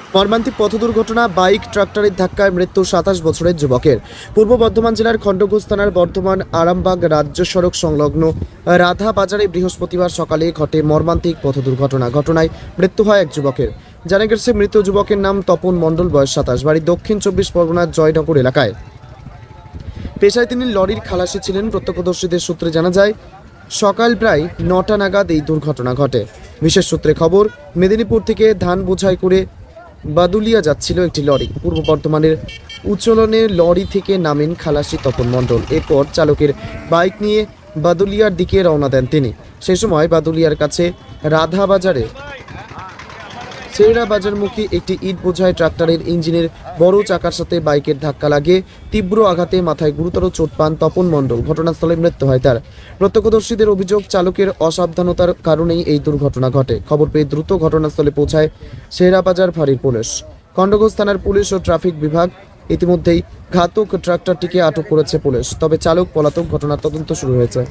মর্মান্তিক পথ দুর্ঘটনা, বাইক ট্রাক্টরের ধাক্কায় মৃত্যু ২৭ বছরের যুবকের। পূর্ব বর্ধমান জেলার খণ্ডঘোষ থানার বর্ধমান আরামবাগ রাজ্য সড়ক সংলগ্ন রাধা বাজারে বৃহস্পতিবার সকালে ঘটে মর্মান্তিক পথ দুর্ঘটনা। ঘটনায় মৃত্যু হয় এক যুবকের। জানা গেছে মৃত যুবকের নাম তপন মণ্ডল, বয়স ২৭, বাড়ি দক্ষিণ ২৪ পরগনার জয়নগর এলাকায়। পেশায় তিনি লরির খালাসি ছিলেন। প্রত্যক্ষদর্শীদের সূত্রে জানা যায় সকাল প্রায় ৯টা নাগাদ এই দুর্ঘটনা ঘটে। বিশেষ সূত্রে খবর, মেদিনীপুর থেকে ধান বোঝাই করে বাদুলিয়া যাচ্ছিল একটি লরি। পূর্ব বর্ধমানের উচ্চলনে লরি থেকে নামেন খালাসি তপন মণ্ডল। এরপর চালকের বাইক নিয়ে বাদুলিয়ার দিকে রওনা দেন তিনি। সেই সময় বাদুলিয়ার কাছে রাধা বাজারে চেরা বাজারমুখী একটি ইট বোঝাই ট্রাক্টরের ইঞ্জিনের বড় চাকার সাথে বাইকের ধাক্কা লাগে। তীব্র আঘাতে মাথায় গুরুতর চোট পান তপন মণ্ডল। ঘটনাস্থলে মৃত্যু হয় তার। প্রত্যক্ষদর্শীদের অভিযোগ, চালকের অসাবধানতার কারণেই এই দুর্ঘটনা ঘটে। খবর পেয়ে দ্রুত ঘটনাস্থলে পৌঁছায় শেরাবাজার ফাঁড়ির পুলিশ, খণ্ডঘোষ থানার পুলিশ ও ট্রাফিক বিভাগ। ইতিমধ্যেই ঘাতক ট্রাক্টরটিকে আটক করেছে পুলিশ, তবে চালক পলাতক। ঘটনার তদন্ত শুরু হয়েছে।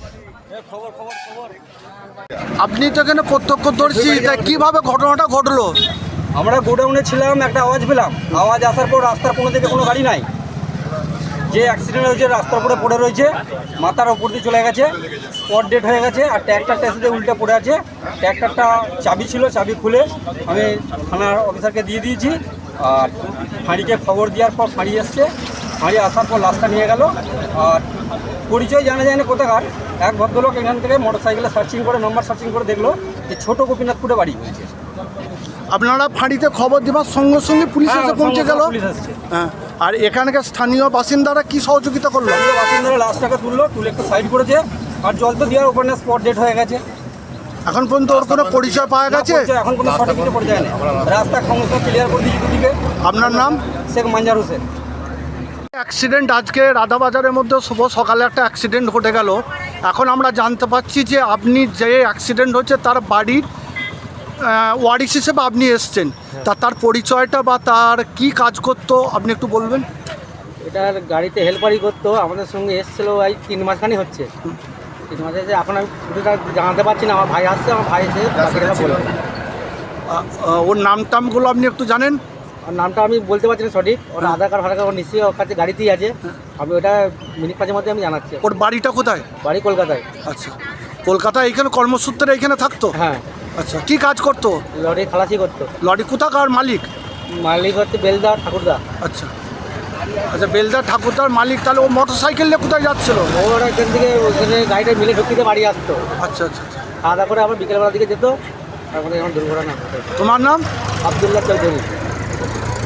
আপনি তো এখানে প্রত্যক্ষদর্শী, তাই কিভাবে ঘটনাটা ঘটলো? আমরা গোডাউনে ছিলাম, একটা আওয়াজ পেলাম। আওয়াজ আসার পর রাস্তার কোনো দিকে কোনো গাড়ি নাই। যে অ্যাক্সিডেন্ট হয়েছে রাস্তার উপরে পড়ে রয়েছে, মাথার ওপর দিয়ে চলে গেছে, স্পট ডেড হয়ে গেছে। আর ট্র্যাক্টরটা এসে উল্টে পড়ে আছে। ট্র্যাক্টরটা চাবি ছিল, চাবি খুলে আমি থানার অফিসারকে দিয়ে দিয়েছি। আর ফাঁড়িকে খবর দেওয়ার পর ফাঁড়ি এসছে। ফাঁড়ি আসার পর লাশটা নিয়ে গেল। আর পরিচয় জানা যায় না কোথাকার এক ভদ্রলোক এখান থেকে মোটরসাইকেলে সার্চিং করে, নম্বর সার্চিং করে দেখলো যে ছোটো গোপীনাথপুরে বাড়ি হয়েছে। আপনারা ফাঁড়িতে খবর দেওয়ার সঙ্গে সঙ্গে পুলিশ এসে পৌঁছে গেল। পুলিশ এসছে। হ্যাঁ, আর এখানকার স্থানীয় বাসিন্দারা কি সহযোগিতা করলো? বাসিন্দারা লাশটাকে তুললো, তুলে একটু সাইড করেছে। আর জল তো দেওয়ার উপর না, স্পট ডেট হয়ে গেছে। এখন পর্যন্ত ওর কোনো পরিচয় পাওয়া গেছে? এখন কোনো সঠিক কিছু পরিচয় নেই। রাস্তা সমস্ত ক্লিয়ার করে দিয়েছি দুদিকে। আপনার নাম? শেখ মঞ্জার হোসেন। অ্যাক্সিডেন্ট আজকে রাধাবাজারের মধ্যে শুভ সকালে একটা অ্যাক্সিডেন্ট ঘটে গেল। এখন আমরা জানতে পারছি যে আপনি যে অ্যাক্সিডেন্ট হচ্ছে তার বাড়ির ওয়ারিশ হিসেবে আপনি এসছেন। তার পরিচয়টা বা তার কি কাজ করতো আপনি একটু বলবেন? এটার গাড়িতে হেল্পারই করতো, আমাদের সঙ্গে এসেছিলো এই 3 মাসখানি হচ্ছে। 3 মাস এসে এখন আমি পুরোটা জানাতে পারছি না। আমার ভাই আসছে, আমার ভাই এসে বাকিটা বলবে। ওর নাম টামগুলো আপনি একটু জানেন? আর নামটা আমি বলতে পারছি না সঠিক। ওর আধার কার্ড ফাধার কার্ড নিশ্চয়ই ওর কাছে গাড়িতেই আছে। আমি ওটা মিনিট 5-এর মধ্যে আমি জানাচ্ছি। ওর বাড়িটা কোথায়? বাড়ি কলকাতায়। আচ্ছা, কলকাতায় এইখানে কর্মসূত্রে এইখানে থাকতো? হ্যাঁ। আচ্ছা, কি কাজ করতো? লরি খালাসি করতো। লরি কোথাকার মালিক? মালিক হচ্ছে বেলদা ঠাকুরদা। আচ্ছা আচ্ছা, বেলদার ঠাকুরদার মালিক। তাহলে ও মোটর সাইকেল নিয়ে কোথায় যাচ্ছিল? ওরা এখান থেকে ওখানে গাড়িটা মিলে ঢুকিতে বাড়ি আসতো। আচ্ছা আচ্ছা আচ্ছা। খাওয়া দাওয়া করে আবার বিকেলবেলার দিকে যেত। তারপরে এখন দুর্ঘটনা ঘটে। তোমার নাম? আবদুল্লাহ চৌধুরী।